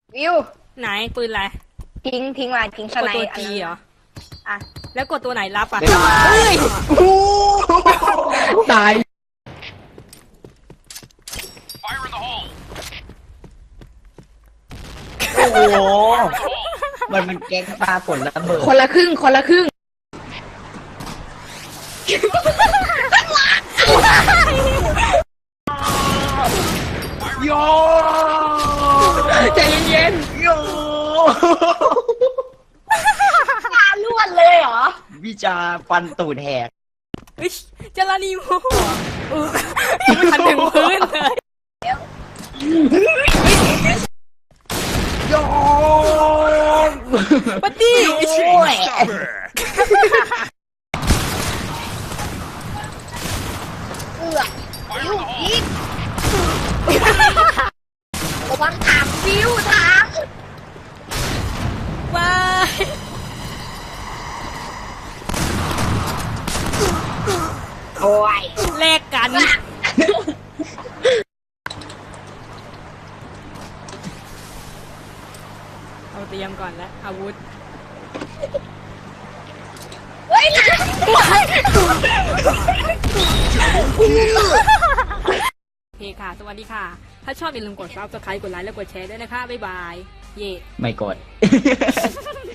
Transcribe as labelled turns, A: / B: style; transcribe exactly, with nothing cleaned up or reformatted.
A: วิว
B: ไหนปืนอะไร
A: ทิ้งทิ้งมาทิ้งส
B: กด
A: ไน
B: ตัว
A: อัน
B: จี
A: นั้น
B: เหรอ
A: อ่ะ
B: แล้วกดตัวไหนรับอ่ะ
C: เฮ้ยตาย โอ้โห มันมันแก๊งปลาฝนระเบิด
A: คนละครึ่งคนละครึ่ง
C: โยใจเย็นๆโย
A: ตาล้วนเลยเหรอ
C: วิจาฟันตูดแหก
B: เฮ้ยจารานีโมเออยังไม่ทันถึงพื้นเลย
C: โย
B: ปะตี้
C: โอ้ย
A: เอือกวิวยิงระวังถามวิวถาม
B: ว้าย
A: โอ้ย
B: แลกกันเอาเตรียมก่อนแล้วอาวุธ
A: เฮ้ยนะ
B: โอเคค่ะ สวัสดีค่ะ ถ้าชอบอย่าลืมกดซับสไครต์กดไลค์และกดแชร์ด้วยนะคะ บ๊ายบาย เย่
C: ไม่กด